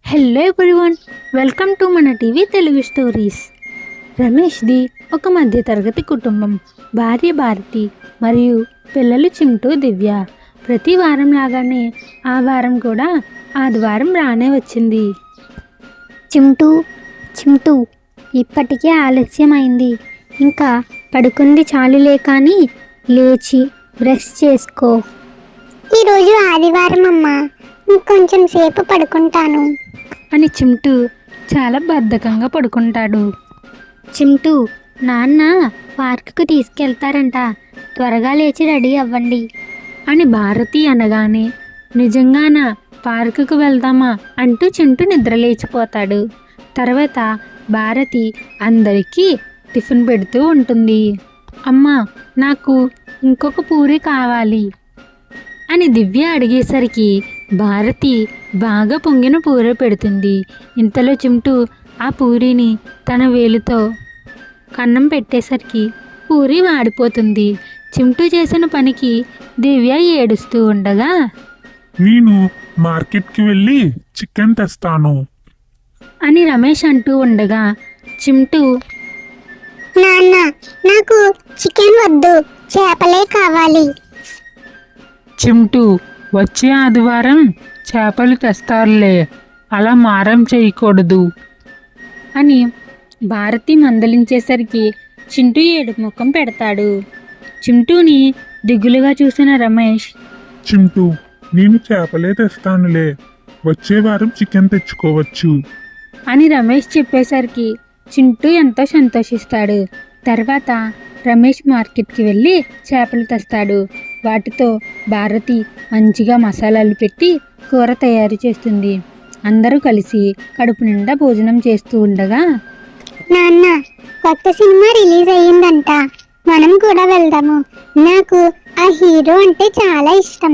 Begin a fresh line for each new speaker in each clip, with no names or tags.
Hello everyone, welcome to మన TV Telugu stories. రమేష్ది ఒక మధ్యతరగతి కుటుంబం. భార్య భారతి మరియు పిల్లలు చింటూ, దివ్య. ప్రతి వారం లాగానే ఆ వారం కూడా ఆదివారం రానే వచ్చింది.
చింటూ చింటూ ఇప్పటికే ఆలస్యమైంది. ఇంకా పడుకుంది చాలులే, కానీ లేచి బ్రష్ చేసుకో. ఈరోజు ఆదివారం అమ్మా, ఇంకొంచెం సేపు పడుకుంటాను
అని చింటూ చాలా బద్ధకంగా పడుకుంటాడు.
చింటూ, నాన్న పార్కుకు తీసుకెళ్తారంట, త్వరగా లేచి రెడీ అవ్వండి
అని భారతి అనగానే, నిజంగానా, పార్కుకు వెళ్దామా అంటూ చింటూ నిద్రలేచిపోతాడు. తర్వాత భారతి అందరికీ టిఫిన్ పెడుతూ ఉంటుంది. అమ్మా, నాకు ఇంకొక పూరి కావాలి అని దివ్య అడిగేసరికి భారతి బాగా పొంగిన పూరి పెడుతుంది. ఇంతలో చింటూ ఆ పూరిని తన వేలుతో కన్నం పెట్టేసరికి పూరి వాడిపోతుంది. చింటూ చేసిన పనికి దివ్య ఏడుస్తూ ఉండగా,
నేను మార్కెట్కి వెళ్ళి చికెన్ తెస్తాను
అని రమేష్ అంటూ ఉండగా, చింటూ,
నాన్న నాకు చికెన్ వద్దు, చేపలే కావాలి.
చింటూ, వచ్చే ఆదివారం చేపలు తెస్తారులే, అలా మారం చేయకూడదు
అని భారతి మందలించేసరికి చింటూ ఏడుపు ముఖం పెడతాడు. చింటూని దిగులుగా చూసిన రమేష్,
చింటూ, నేను చేపలే తెస్తానులే, వచ్చే వారం చికెన్ తెచ్చుకోవచ్చు
అని రమేష్ చెప్పేసరికి చింటూ ఎంతో సంతోషిస్తాడు. తర్వాత రమేష్ మార్కెట్కి వెళ్ళి చేపలు తెస్తాడు. వాటితో భారతి మంచిగా మసాలాలు పెట్టి కూర తయారు చేస్తుంది. అందరూ కలిసి కడుపు నిండా భోజనం చేస్తూ ఉండగా,
నాన్న, కొత్త సినిమా రిలీజ్ అయ్యిందంట, మనం కూడా వెళ్దాము, నాకు ఆ హీరో అంటే చాలా ఇష్టం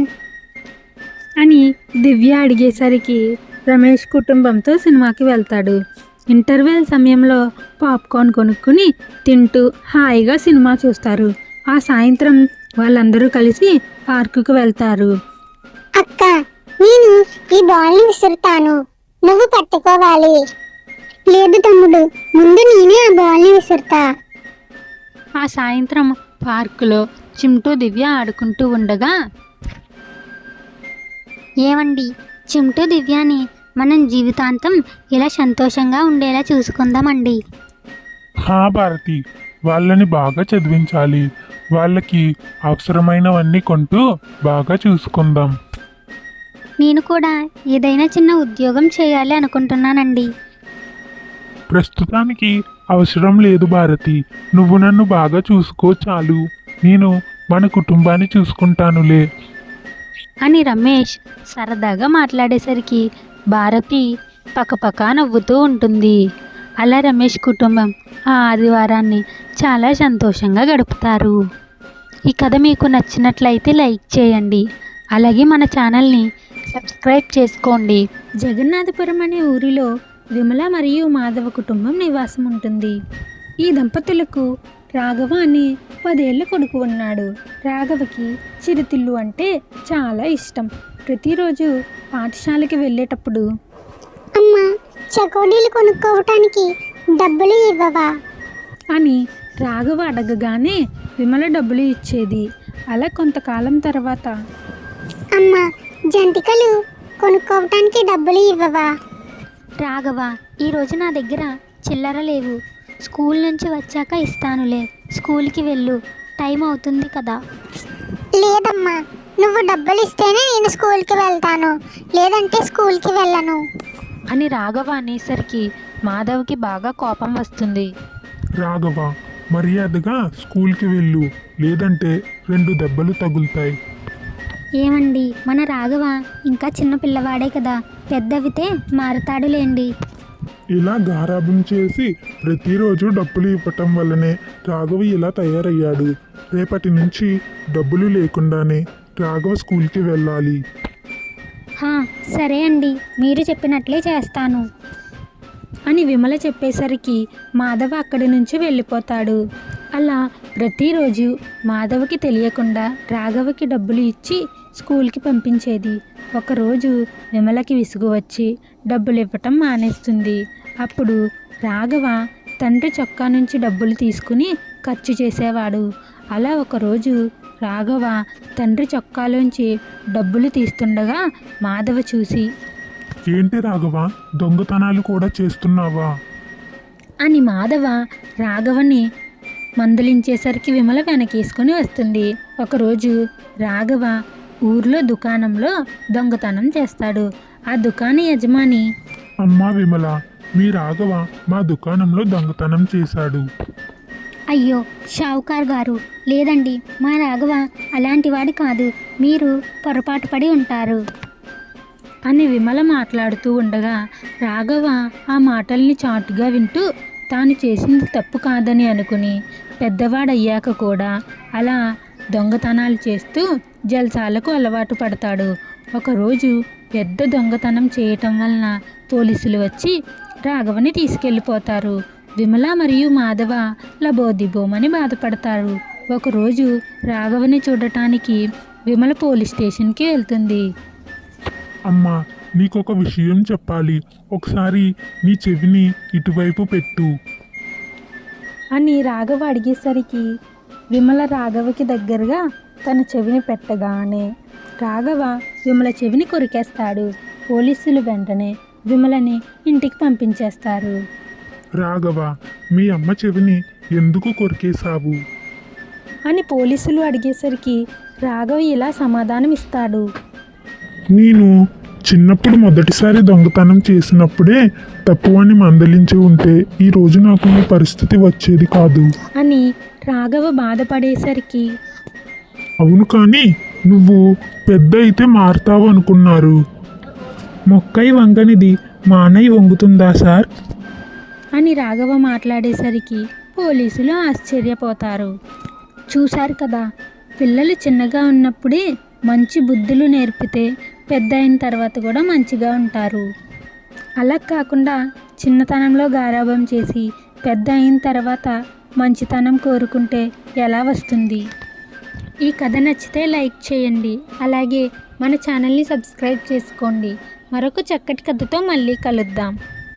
అని దివ్య అడిగేసరికి రమేష్ కుటుంబంతో సినిమాకి వెళ్తాడు. ఇంటర్వెల్ సమయంలో పాప్కార్న్ కొనుక్కుని తింటూ హాయిగా సినిమా చూస్తారు. ఆ సాయంత్రం వాళ్ళందరూ కలిసి పార్కుకు వెళ్తారు.
అక్క, నేను ఈ బాల్ని విసురుతాను, నువ్వు పట్టుకోవాలి. లేదు తమ్ముడు, ముందు నేనే ఆ బాల్ని విసురుతా.
ఆ సాయంత్రం పార్కులో చింటూ, దివ్య ఆడుకుంటూ ఉండగా,
ఏమండి, చింటూ దివ్యాని మనం జీవితాంతం ఇలా సంతోషంగా ఉండేలా చూసుకుందామండి.
హా భారతి, వాళ్ళని బాగా చదివించాలి, వాళ్ళకి అవసరమైనవన్నీ కొంటూ బాగా చూసుకుందాం.
నేను కూడా ఏదైనా చిన్న ఉద్యోగం చేయాలి అనుకుంటున్నానండి.
ప్రస్తుతానికి అవసరం లేదు భారతి, నువ్వు నన్ను బాగా చూసుకో చాలు, నేను మన కుటుంబాన్ని చూసుకుంటానులే
అని రమేష్ సరదాగా మాట్లాడేసరికి భారతి పకపక నవ్వుతూ ఉంటుంది. అలా రమేష్ కుటుంబం ఆ ఆదివారాన్ని చాలా సంతోషంగా గడుపుతారు. ఈ కథ మీకు నచ్చినట్లయితే లైక్ చేయండి, అలాగే మన ఛానల్ని సబ్స్క్రైబ్ చేసుకోండి. జగన్నాథపురం అనే ఊరిలో విమల మరియు మాధవ కుటుంబం నివాసం ఉంటుంది. ఈ దంపతులకు రాఘవ అనే 10 ఏళ్ల కొడుకు ఉన్నాడు. రాఘవకి చిరుతిళ్ళు అంటే చాలా ఇష్టం. ప్రతిరోజు పాఠశాలకి వెళ్ళేటప్పుడు,
అమ్మా, చకోడీలు కొనుక్కోవటానికి డబ్బులు ఇవ్వవా
అని రాఘవ అడగగానే విమల డబ్బులు ఇచ్చేది. అలా కొంతకాలం తర్వాత,
అమ్మా, జంతికలు కొనుక్కోవటానికి డబ్బులు ఇవ్వవా.
రాఘవ, ఈరోజు నా దగ్గర చిల్లర లేవు, స్కూల్ నుంచి వచ్చాక ఇస్తానులే, స్కూల్కి వెళ్ళు, టైం అవుతుంది కదా.
లేదమ్మా, నువ్వు డబ్బులు ఇస్తేనే నేను స్కూల్కి వెళ్తాను, లేదంటే స్కూల్కి వెళ్ళను
అని రాఘవ అనేసరికి మాధవ్కి బాగా కోపం వస్తుంది.
రాఘవ, మర్యాదగా స్కూల్కి వెళ్ళు, లేదంటే 2 దెబ్బలు తగులుతాయి.
ఏమండి, మన రాఘవ ఇంకా చిన్న పిల్లవాడే కదా, పెద్దవితే మారతాడులేండి.
ఇలా గారాబం చేసి ప్రతిరోజు డబ్బులు ఇవ్వటం వల్లనే రాఘవ ఇలా తయారయ్యాడు. రేపటి నుంచి డబ్బులు లేకుండానే రాఘవ స్కూల్కి వెళ్ళాలి.
సరే అండి, మీరు చెప్పినట్లే చేస్తాను
అని విమల చెప్పేసరికి మాధవ అక్కడి నుంచి వెళ్ళిపోతాడు. అలా ప్రతిరోజు మాధవకి తెలియకుండా రాఘవకి డబ్బులు ఇచ్చి స్కూల్కి పంపించేది. ఒకరోజు విమలకి విసుగు వచ్చి డబ్బులు ఇవ్వటం మానేస్తుంది. అప్పుడు రాఘవ తండ్రి చొక్కా నుంచి డబ్బులు తీసుకుని ఖర్చు చేసేవాడు. అలా ఒకరోజు రాఘవ తండ్రి చొక్కాలోంచి డబ్బులు తీస్తుండగా మాధవ చూసి,
ఏంటి రాఘవ, దొంగతనాలు కూడా చేస్తున్నావా?
అని మాధవ రాఘవని మందలించేసరికి విమల వెనకేసుకొని వస్తుంది. ఒకరోజు రాఘవ ఊర్లో దుకాణంలో దొంగతనం చేస్తాడు. ఆ దుకాణ యజమాని,
అమ్మా విమల, మీ రాఘవ మా దుకాణంలో దొంగతనం చేశాడు.
అయ్యో షావుకార్ గారు, లేదండి, మా రాఘవ అలాంటి వాడి కాదు, మీరు పొరపాటు పడి ఉంటారు
అని విమల మాట్లాడుతూ ఉండగా రాఘవ ఆ మాటల్ని చాటుగా వింటూ తాను చేసింది తప్పు కాదని అనుకుని పెద్దవాడయ్యాక కూడా అలా దొంగతనాలు చేస్తూ జల్సాలకు అలవాటు పడతాడు. ఒకరోజు పెద్ద దొంగతనం చేయటం వలన పోలీసులు వచ్చి రాఘవని తీసుకెళ్ళిపోతారు. విమల మరియు మాధవ లబోదిబోమని బాధపడతారు. ఒకరోజు రాఘవని చూడటానికి విమల పోలీస్ స్టేషన్కి వెళ్తుంది.
అమ్మా, నీకొక విషయం చెప్పాలి, ఒకసారి నీ చెవిని ఇటువైపు పెట్టు.
అని రాఘవ అడిగేసరికి విమల రాఘవకి దగ్గరగా తన చెవిని పెట్టగానే రాఘవ విమల చెవిని కొరికేస్తాడు. పోలీసులు వెంటనే విమలని ఇంటికి పంపించేస్తారు.
రాఘవ, మీ అమ్మ చెవిని ఎందుకు కొరికేశావు?
అని పోలీసులు అడిగేసరికి రాఘవ ఇలా సమాధానం ఇస్తాడు.
నేను చిన్నప్పుడు మొదటిసారి దొంగతనం చేసినప్పుడే తప్పు అని మందలించి ఉంటే ఈరోజు నాకు ఈ పరిస్థితి వచ్చేది కాదు.
అని రాఘవ బాధపడేసరికి,
అవును, కానీ నువ్వు పెద్ద అయితే మారుతావు అనుకున్నారు. మొక్కై వంగనిది మానై వంగుతుందా సార్?
అని రాఘవ మాట్లాడేసరికి పోలీసులు ఆశ్చర్యపోతారు. చూశారు కదా, పిల్లలు చిన్నగా ఉన్నప్పుడే మంచి బుద్ధులు నేర్పితే పెద్ద అయిన తర్వాత కూడా మంచిగా ఉంటారు. అలా కాకుండా చిన్నతనంలో గారాబం చేసి పెద్ద అయిన తర్వాత మంచితనం కోరుకుంటే ఎలా వస్తుంది? ఈ కథ నచ్చితే లైక్ చేయండి, అలాగే మన ఛానల్ని సబ్స్క్రైబ్ చేసుకోండి. మరొక చక్కటి కథతో మళ్ళీ కలుద్దాం.